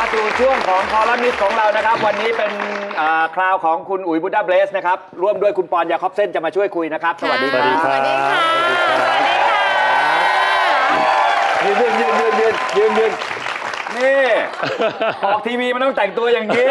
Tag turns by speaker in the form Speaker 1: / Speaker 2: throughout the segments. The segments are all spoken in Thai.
Speaker 1: มาสู่ช่วงของคอลัมนิสต์ของเรานะครับวันนี้เป็นคราวของคุณอุ๋ยบุดาเบสนะครับร่วมด้วยคุณปอนยาคอบเส้นจะมาช่วยคุยนะครับสวัสดีครับ
Speaker 2: สวัสดีค่ะ
Speaker 1: ยืนนี่ออกทีวีมันต้องแต่งตัวอย่างนี้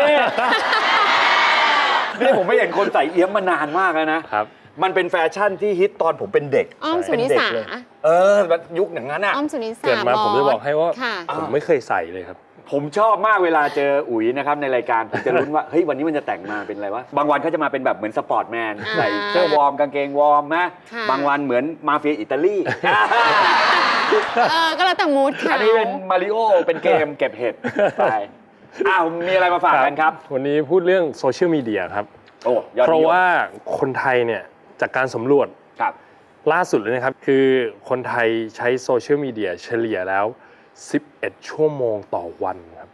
Speaker 1: นี่ผมไม่เห็นคนใส่เอี้ยมมานานมากแล้วนะครับมันเป็นแฟชั่นที่ฮิตตอนผมเป็นเด็ก
Speaker 2: อ้อมสุนิสา
Speaker 1: ยุคอย่างนั้นอ่ะ
Speaker 2: อ้อมสุนิสา
Speaker 3: เกิดมาผมจะบอกให้ว่า
Speaker 2: ค่ะ
Speaker 3: ผมไม่เคยใส่เลยครับ
Speaker 1: ผมชอบมากเวลาเจออุ๋ยนะครับในรายการผมจะลุ้นว่าเฮ้ยวันนี้มันจะแต่งมาเป็นอะไรวะบางวันเขาจะมาเป็นแบบเหมือนสปอร์ตแมนใส่เสื้อวอร์มกางเกงวอร์มนะบางวันเหมือนมาเฟียอิตาลี
Speaker 2: ก็แล้วแต่มูดค่ะ
Speaker 1: อันนี้เป็นมาริโอเป็นเกมเก็บเห็ดไปมีอะไรมาฝากกันครับ
Speaker 3: วันนี้พูดเรื่องโซเชียลมีเดียครับเพราะว่าคนไทยเนี่ยจากการสำรวจล่าสุดเลยนะครับคือคนไทยใช้โซเชียลมีเดียเฉลี่ยแล้ว11 ชั่วโมงต่อวันครับ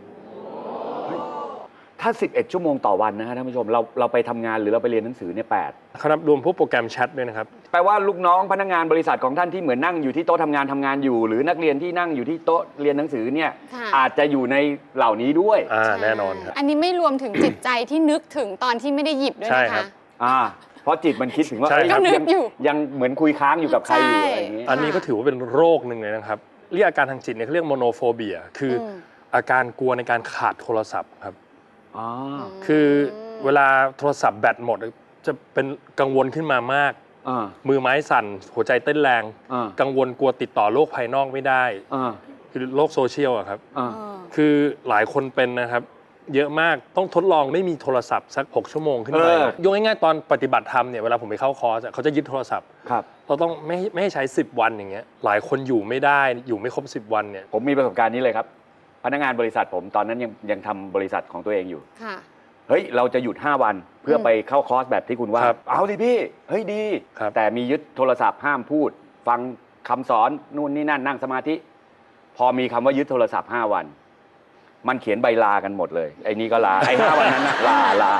Speaker 1: ถ้า11 ชั่วโมงต่อวันนะฮะท่านผู้ชมเราไปทำงานหรือเราไปเรียนหนังสือเนี่ย8
Speaker 3: ครับรวมพวกโปรแกรมแชทด้วยนะครับ
Speaker 1: แปลว่าลูกน้องพนักงานบริษัทของท่านที่เหมือนนั่งอยู่ที่โต๊ะทำงานอยู่หรือนักเรียนที่นั่งอยู่ที่โต๊ะเรียนหนังสือเนี่ยอาจจะอยู่ในเหล่านี้ด้วย
Speaker 3: แน่นอนครับ
Speaker 2: อันนี้ไม่รวมถึงจิตใจที่นึกถึงตอนที่ไม่ได้หยิบด้วยนะคะ
Speaker 1: เพราะจิตมันคิดถึงว่ายังเหมือนคุยค้างอยู่กับใครอยู่อะไรอย่างนี้
Speaker 3: อันนี้ก็ถือว่าเป็นโรคหนึ่งเลยนะครับเรียกอาการทางจิตเนี่ยเขาเรียกโมโนโฟเบียคืออาการกลัวในการขาดโทรศัพท์ครับคือเวลาโทรศัพท์แบตหมดจะเป็นกังวลขึ้นมามากมือไม้สั่นหัวใจเต้นแรงกังวลกลัวติดต่อโลกภายนอกไม่ได้คือโลกโซเชียลอะครับคือหลายคนเป็นนะครับเยอะมากต้องทดลองไม่มีโทรศัพท์สัก6 ชั่วโมงขึ้นไปยกง่ายๆตอนปฏิบัติธรรมเนี่ยเวลาผมไปเข้าคอร์สเขาจะยึดโทรศัพท์เราต้องไม่ให้ใช้10 วันอย่างเงี้ยหลายคนอยู่ไม่ได้อยู่ไม่ครบ10 วันเนี่ย
Speaker 1: ผมมีประสบการณ์นี้เลยครับพนักงานบริษัทผมตอนนั้นยังทำบริษัทของตัวเองอยู่เฮ้ยเราจะหยุด5 วันเพื่อไปเข้าคอร์สแบบที่คุณว่าเอาสิพี่เฮ้ยดีแต่มียึดโทรศัพท์ห้ามพูดฟังคำสอนนู่นนี่นั่นนั่งสมาธิพอมีคำว่ายึดโทรศัพท์5 วันมันเขียนใบลากันหมดเลยไอ้นี่ก็ลาไอ้5 วันนั้นนะลา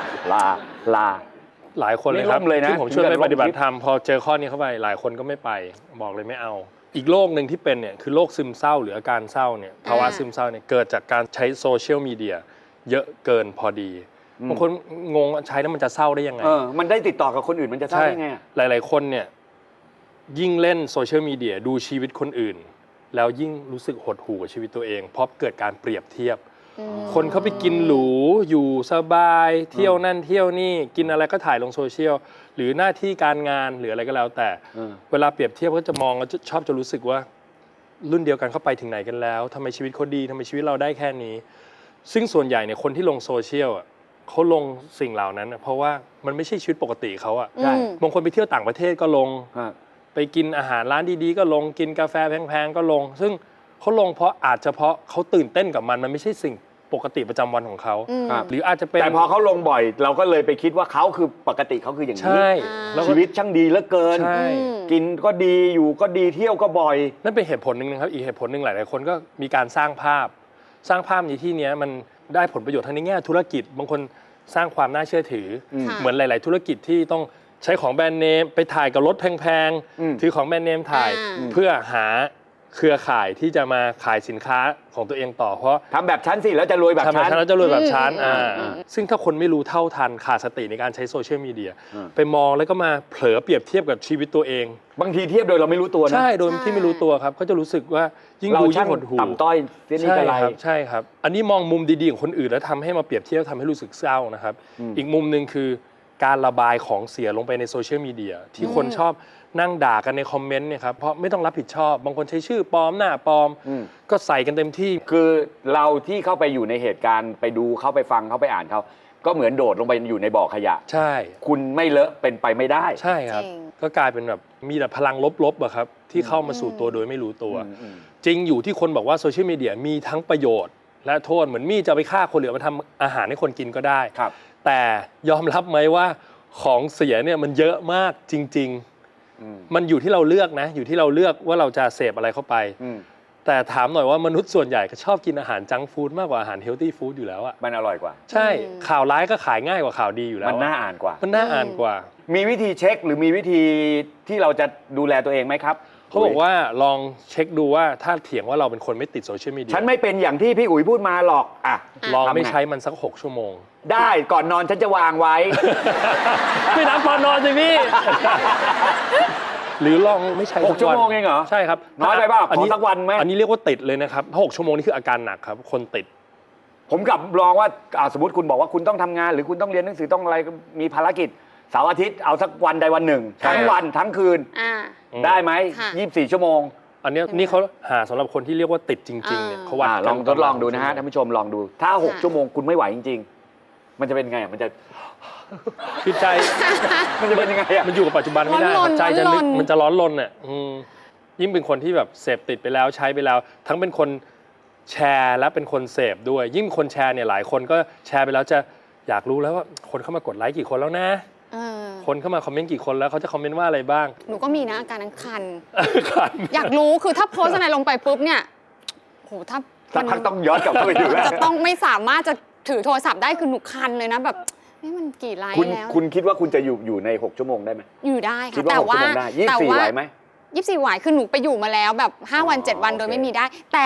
Speaker 3: หลายคนเลยครับที่ผมช่วยไปปฏิบัติธรรมพอเจอข้อนี้เข้าไปหลายคนก็ไม่ไปบอกเลยไม่เอาอีกโรคหนึ่งที่เป็นเนี่ยคือโรคซึมเศร้าหรืออาการเศร้าเนี่ยภาวะซึมเศร้าเนี่ยเกิดจากการใช้โซเชียลมีเดียเยอะเกินพอดีบางคนงงใช้แล้วมันจะเศร้าได้ยังไง
Speaker 1: มันได้ติดต่อกับคนอื่นมันจะเศร้าได้ไง
Speaker 3: หลายๆคนเนี่ยยิ่งเล่นโซเชียลมีเดียดูชีวิตคนอื่นแล้วยิ่งรู้สึกหดหู่กับชีวิตตัวเองเพราะเกิดการเปรียบเทียบคนเขาไปกินหรูอยู่สบายเที่ยวนั่นเที่ยวนี่กินอะไรก็ถ่ายลงโซเชียลหรือหน้าที่การงานหรืออะไรก็แล้วแต่เวลาเปรียบเทียบก็จะมองแล้วชอบจะรู้สึกว่ารุ่นเดียวกันเขาไปถึงไหนกันแล้วทำไมชีวิตเขาดีทำไมชีวิตเราได้แค่นี้ซึ่งส่วนใหญ่เนี่ยคนที่ลงโซเชียลเขาลงสิ่งเหล่านั้นเพราะว่ามันไม่ใช่ชีวิตปกติเขาบางคนไปเที่ยวต่างประเทศก็ลงไปกินอาหารร้านดีๆก็ลงกินกาแฟแพงๆก็ลงซึ่งเขาลงเพราะเขาตื่นเต้นกับมันไม่ใช่สิ่งปกติประจำวันของเขาหรืออาจจะเป็น
Speaker 1: แต่พอเขาลงบ่อยเราก็เลยไปคิดว่าเขาคือปกติเขาคืออย่างนี้ชีวิตช่างดีเหลือเกินกินก็ดีอยู่ก็ดีเที่ยวก็บ่อย
Speaker 3: นั่นเป็นเหตุผลหนึ่งนะครับอีกเหตุผลหนึ่งหลายๆคนก็มีการสร้างภาพในที่นี้มันได้ผลประโยชน์ทั้งในแง่ธุรกิจบางคนสร้างความน่าเชื่อถือเหมือนหลายๆธุรกิจที่ต้องใช้ของแบรนด์เนมไปถ่ายกับรถแพงๆถือของแบรนด์เนมถ่ายเพื่อหาเครือข่ายที่จะมาขายสินค้าของตัวเองต่อเพราะ
Speaker 1: ทำแบบชั้นสิแล้วจะรวยแบบชั้น
Speaker 3: แล้วจะรวยแบบชั้นซึ่งถ้าคนไม่รู้เท่าทันขาดสติในการใช้โซเชียลมีเดียไปมองแล้วก็มาเผลอเปรียบเทียบกับชีวิตตัวเอง
Speaker 1: บางทีเทียบโดยเราไม่รู้ตัวนะ
Speaker 3: ใช่โดยที่ไม่รู้ตัวครับเขาจะรู้สึกว่ายิ่งดูยิ่งหดหู่
Speaker 1: ต่ำต้อยเสียนี่กระไร
Speaker 3: ใช่ครับอันนี้มองมุมดีๆของคนอื่นแล้วทำให้มาเปรียบเทียบทำให้รู้สึกเศร้านะครับอีกมุมนึงคือการระบายของเสียลงไปในโซเชียลมีเดียที่คนชอบนั่งด่ากันในคอมเมนต์เนี่ยครับเพราะไม่ต้องรับผิดชอบบางคนใช้ชื่อปลอมหน้าปลอมก็ใส่กันเต็มที่
Speaker 1: คือเราที่เข้าไปอยู่ในเหตุการณ์ไปดูเขาไปฟังเขาไปอ่านเขาก็เหมือนโดดลงไปอยู่ในบ่อขยะ
Speaker 3: ใช่
Speaker 1: คุณไม่เลอะเป็นไปไม่ได้
Speaker 3: ใช่ครับก็กลายเป็นแบบมีแต่พลังลบๆอะครับที่เข้ามาสู่ตัวโดยไม่รู้ตัวจริงอยู่ที่คนบอกว่าโซเชียลมีเดียมีทั้งประโยชน์และโทษเหมือนมีดจะไปฆ่าคนหรือมาทำอาหารให้คนกินก็ได้แต่ยอมรับไหมว่าของเสียเนี่ยมันเยอะมากจริงๆมันอยู่ที่เราเลือกนะอยู่ที่เราเลือกว่าเราจะเสพอะไรเข้าไปแต่ถามหน่อยว่ามนุษย์ส่วนใหญ่ก็ชอบกินอาหารจังก์ฟู้ดมากกว่าอาหารเฮลตี้ฟู้ดอยู่แล้วอะ
Speaker 1: มันอร่อยกว่า
Speaker 3: ใช่ข่าวร้ายก็ขายง่ายกว่าข่าวดีอยู่แล้ว
Speaker 1: มันน่าอ่านกว่า
Speaker 3: มันน่าอ่านกว่า
Speaker 1: มีวิธีเช็คหรือมีวิธีที่เราจะดูแลตัวเองไหมครับ
Speaker 3: เขาบอกว่าลองเช็คดูว่าถ้าเถียงว่าเราเป็นคนไม่ติดโซเชียลมีเดีย
Speaker 1: ฉันไม่เป็นอย่างที่พี่อุ๋ยพูดมาหรอกอ่ะ
Speaker 3: ลองไม่
Speaker 1: ทำง
Speaker 3: ใช้มันสัก6 ชั่วโมง
Speaker 1: ได้ก่อนนอนฉันจะวางไว้
Speaker 3: ไม่นับตอนนอนสิพี่ หรือลองไม่ใช้
Speaker 1: 6 ชั่วโมงเองเหรอ
Speaker 3: ใช่ครับ
Speaker 1: น้อยไปเปล่าขอสักวันไหม
Speaker 3: อันนี้เรียกว่าติดเลยนะครับถ้า6 ชั่วโมงนี่คืออาการหนักครับคนติด
Speaker 1: ผมกลับลองว่าสมมติคุณบอกว่าคุณต้องทำงาน หรือคุณต้องเรียนหนังสือต้องอะไรมีภารกิจเสาร์อาทิตย์เอาสักวันใดวันหนึ่ง
Speaker 3: ใช่
Speaker 1: ทั้งวันทั้งคืน
Speaker 2: อ่า
Speaker 1: ได้ไหม
Speaker 2: ค่ะ
Speaker 1: 24 ชั่วโมง
Speaker 3: อันเนี้ยนี่เขาหาสำหรับคนที่เรียกว่าติดจริงๆเนี่ยเขาวัด
Speaker 1: ลองทดลองดูนะฮะ
Speaker 3: กั
Speaker 1: ท่านผู้ชมลองดู ถ้า 6 ชั่วโมงคุณไม่ไหวจริง ๆ มันจะเป็นไงมันจะ
Speaker 3: คือใจ
Speaker 1: มันจะเป็นยังไงอ่ะ
Speaker 3: มันอยู่กับปัจจุบันไม่ได้
Speaker 2: ร้อนๆ
Speaker 3: ใจจะนึก
Speaker 2: ร้อนๆ
Speaker 3: มันจะร้อนรนอ่ะยิ่งเป็นคนที่แบบเสพติดไปแล้วใช้ไปแล้ว ทั้งเป็นคนแชร์และเป็นคนเสพด้วย ยิ่งคนแชร์เนี่ยหลายคนก็แชร์ไปแล้วจะอยากรู้แล้วว่าคนเข้ามากดไลค์กี่คนแล้วนะ
Speaker 2: เออ
Speaker 3: คนเข้ามาคอมเมนต์กี่คนแล้วเขาจะคอมเมนต์ว่าอะไรบ้าง
Speaker 2: หนูก็มีนะอาการนั้นคัน
Speaker 3: ขัน
Speaker 2: อยากรู้คือถ้าโพสต์อะไรลงไปปุ๊บเนี่ยโหถ้า
Speaker 1: สักพักต้องย้อนกลับเข้าไปดูแล้ว
Speaker 2: จะต้องไม่สามารถจะถือโทรศัพท์ได้คือหนูคันเลยนะแบบนี่มันกี่ไลค์
Speaker 1: คุณ
Speaker 2: แล้ว
Speaker 1: คุณคิดว่าคุณจะอยู่ใน 6 ชั่วโมงได้ไหม
Speaker 2: อยู่ได้
Speaker 1: คิด
Speaker 2: ค่ะ
Speaker 1: ว่า
Speaker 2: แต่
Speaker 1: 6 ชั่วโมงได้
Speaker 2: แต่
Speaker 1: 24ไหวไหม
Speaker 2: 24ไหวคือหนูไปอยู่มาแล้วแบบ5 วัน 7 วันโดย
Speaker 1: โอเค
Speaker 2: ไม่มีได้ แต่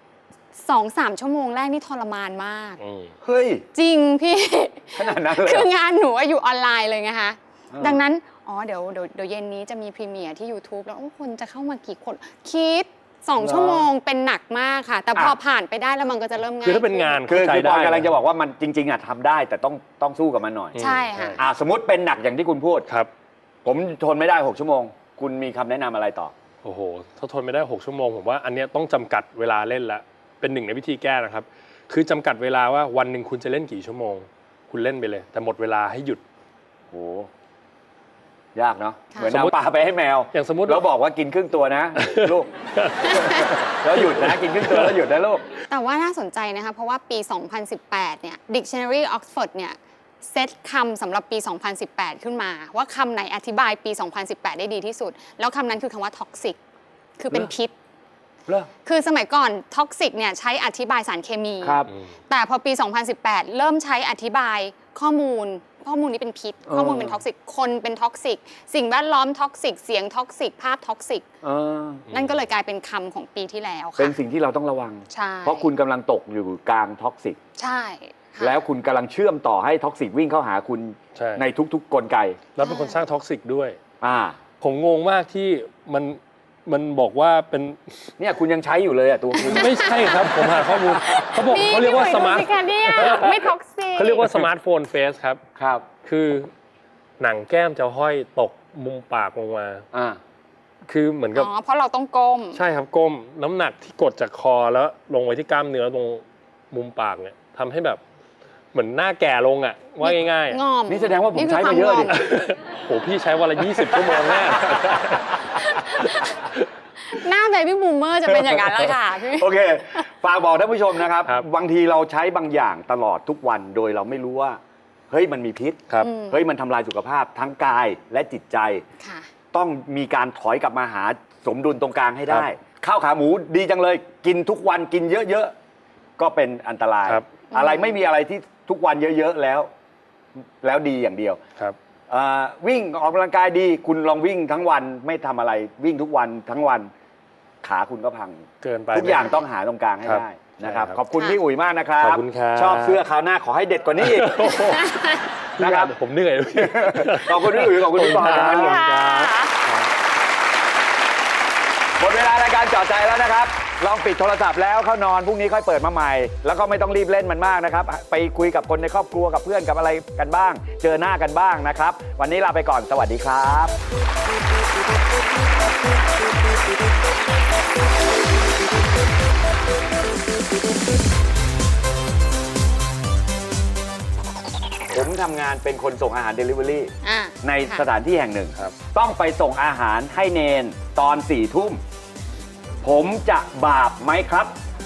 Speaker 2: 2-3 ชั่วโมงแรกนี่ทรมานมาก
Speaker 1: เฮ้ย
Speaker 2: จริงพี่
Speaker 1: ขนาดนั้นเลย
Speaker 2: คืองานหนูอะอยู่ออนไลน์เลยไงคะ
Speaker 1: อ่า
Speaker 2: ดังนั้นเดี๋ยวเย็นนี้จะมีพรีเมียร์ที่ YouTube แล้วคนจะเข้ามากี่คน คิด 2 ชั่วโมงเป็นหนักมากค่ะ แต่พอผ่านไปได้แล้วมันก็จะเริ่มง่าย
Speaker 3: คือถ้าเป็นงาน
Speaker 1: คือ
Speaker 3: เข้าใจ
Speaker 1: คือป
Speaker 3: ได้
Speaker 1: อนกำลังจะบอกว่ามันจริงๆอ่ะทำได้ แต่ต้องสู้กับมันหน่อย
Speaker 2: ใช่ค่ะ
Speaker 1: สมมติเป็นหนักอย่างที่คุณพูด
Speaker 3: ครับ
Speaker 1: ผมทนไม่ได้ 6 ชั่วโมง คุณมีคำแนะนำอะไรต่อ
Speaker 3: โอ้โห ถ้าทนไม่ได้ 6 ชั่วโมง ผมว่าอันเนี้ยต้องจำกัดเวลาเล่นละ เป็นหนึ่งในวิธีแก้นะครับ คือจำกัดเวลาว่าวันหนึ่งคุณจะเล่นกี่ชั่วโมง คุณเล่นไปเลย แต่หมดเวลาให้หยุด
Speaker 1: โห ยากเนาะ
Speaker 2: ค่ะ
Speaker 1: เหมือนเอาปลาไปให้แมว
Speaker 3: อย่างสมมุติ
Speaker 1: แล้วบอกว่ากินครึ่งตัวนะ ลูก แล้วหยุดนะ กินครึ่งตัวแล้วหยุดนะลูก
Speaker 2: แต่ว่าน่าสนใจนะคะ เพราะว่าปี 2018 เนี่ย Dictionary Oxford เนี่ยเซตคำสำหรับปี 2018 ขึ้นมา ว่าคำไหนอธิบายปี 2018 ได้ดีที่สุด แล้วคำนั้นคือคำว่า toxic คือเป็นพิษ
Speaker 1: เหรอ
Speaker 2: คือสมัยก่อน toxic เนี่ยใช้อธิบายสารเคมี
Speaker 1: ครับ
Speaker 2: แต่พอปี 2018 เริ่มใช้อธิบายข้อมูลนี้เป็นพิษ ข้อมูลเป็นท็อกซิก คนเป็นท็อกซิก สิ่งแวดล้อมท็อกซิก เสียงท็อกซิก ภาพท็อกซิก นั่นก็เลยกลายเป็นคำของปีที่แล้วค่ะ
Speaker 1: เป็นสิ่งที่เราต้องระวัง
Speaker 2: ใช่
Speaker 1: เพราะคุณกำลังตกอยู่กลางท็อกซิก
Speaker 2: ใช่ค่ะ
Speaker 1: แล้วคุณกำลังเชื่อมต่อให้ท็อกซิกวิ่งเข้าหาคุณ
Speaker 3: ใช่
Speaker 1: ในทุกๆ กลไก
Speaker 3: แล้วเป็นคนสร้างท็อกซิกด้วย
Speaker 1: อ่า
Speaker 3: ผมงงมากที่มันบอกว่าเป็น
Speaker 1: เนี่ยคุณยังใช้อยู่เลยอ่ะตัวคุณ
Speaker 3: ไม่ใช่ครับ ผมหาข้อมูลเขาบอกเขาเรียกว่าสมาร์ท
Speaker 2: นี่พี่หนุ่ยดูสิคะเนี่ยไม่ท็อกซิก
Speaker 3: เขาเรียกว่าสมาร์ทโฟนเฟสครับ
Speaker 1: ครับ
Speaker 3: คือหนังแก้มจะห้อยตกมุมปากลงมา
Speaker 1: อ่า
Speaker 3: คือเหมือนกับ
Speaker 2: เพราะเราต้องก้ม
Speaker 3: ใช่ครับก้มน้ำหนักที่กดจากคอแล้วลงไปที่กล้ามเนื้อตรงมุมปากเนี่ยทำให้แบบเหมือนหน้าแก่ลงอ่ะว่าง่ายๆ
Speaker 2: งอม
Speaker 1: นี่แสดงว่าผมใช้มาเยอะดิ
Speaker 3: โหพี่ใช้วันละ20 ชั่วโมงแน่
Speaker 2: หน้าเบบี้บูมเมอร์จะเป็นอย่างนั้นแล้วค่ะพี่
Speaker 1: โอเค ฝากบอกท่านผู้ชมนะครับ
Speaker 3: ครับ
Speaker 1: บางทีเราใช้บางอย่างตลอดทุกวันโดยเราไม่รู้ว่า เฮ้ยมันมีพิษ
Speaker 3: ครับ
Speaker 1: เฮ้ยมันทำลายสุขภาพทั้งกายและจิตใจ
Speaker 2: ค่ะ
Speaker 1: ต้องมีการถอยกลับมาหาสมดุลตรงกลางให้ได้ ข้าวขาหมูดีจังเลย กินทุกวันกินเยอะๆ ก็เป็นอันตราย
Speaker 3: ครับ
Speaker 1: อะไรไม่มีอะไรที่ทุกวันเยอะๆแล้วดีอย่างเดียว
Speaker 3: ครับ
Speaker 1: วิ่งออกกำลังกายดี คุณลองวิ่งทั้งวันไม่ทำอะไรวิ่งทุกวันทั้งวัน ขาคุณก็พัง
Speaker 3: เกินไป
Speaker 1: ทุกอย่างต้องหาตรงกลางให้
Speaker 3: ครับ
Speaker 1: ได้นะครับ
Speaker 3: ใช่ครับ
Speaker 1: ขอบคุณพี่อุ๋ยมากนะครับ
Speaker 3: ขอบคุณครับ
Speaker 1: ชอบเสื้อคราวหน้าขอให้เด็ดกว่านี้อีก นะครับ
Speaker 3: ผมเหนื่อย
Speaker 1: ขอบคุณพี่อุ๋ยขอบคุณพี่ปอน
Speaker 3: ขอบคุณครับ
Speaker 1: หมดเวลารายการเจาะใจแล้วนะครับ ลองปิดโทรศัพท์แล้วเข้านอนพรุ่งนี้ค่อยเปิดมาใหม่ แล้วก็ไม่ต้องรีบเล่นมันมากนะครับ ไปคุยกับคนในครอบครัวกับเพื่อนกับอะไรกันบ้าง เจอหน้ากันบ้างนะครับ วันนี้ลาไปก่อนสวัสดีครับ ผมทำงานเป็นคนส่งอาหาร Delivery ในสถานที่แห่งหนึ่ง
Speaker 3: ครับ
Speaker 1: ต้องไปส่งอาหารให้เนนตอน4 ทุ่ม ผมจะบาปไหมครับ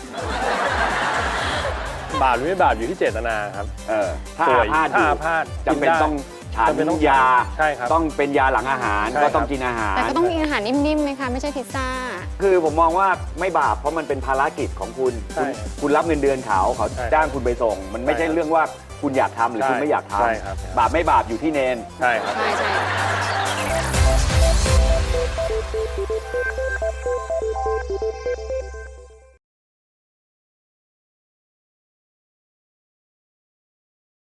Speaker 3: บาปหรือไม่บาปอยู่ที่เจตนาครับ
Speaker 1: ถ้า
Speaker 3: ป่
Speaker 1: อา
Speaker 3: วย
Speaker 1: พาธอ
Speaker 3: ถ้า
Speaker 1: ยู่
Speaker 3: อาพาธ
Speaker 1: จำเป็น
Speaker 3: กินได้
Speaker 1: ต้องฉัน
Speaker 3: จำเป็นต้อง
Speaker 1: ยา
Speaker 3: ใช่ครับ
Speaker 1: ต้องเป็นยาหลังอาหาร
Speaker 3: ใช่
Speaker 1: ก็
Speaker 3: ครับ
Speaker 1: ต้องกินอาหาร
Speaker 2: แต่ก็ต้องกินอาหารนิ่มๆไหมคะ ไม่ใช่พิซซ่า
Speaker 1: คือผมมองว่าไม่บาปเพราะมันเป็นภารกิจของคุณ
Speaker 3: ใช่
Speaker 1: คุณรับเงินเดือนเขา
Speaker 3: ใช่
Speaker 1: จ้างคุณไปส่ง มันไม่ใช่
Speaker 3: ใช่ครับ
Speaker 1: เรื่องว่าคุณอยากทำหรือ
Speaker 3: ใช่
Speaker 1: คุณไม่อยากท
Speaker 3: ใช่ครับ
Speaker 1: ำบาปไม่บาปอยู่ที่เนน
Speaker 3: ใช่ครับ
Speaker 2: ใช่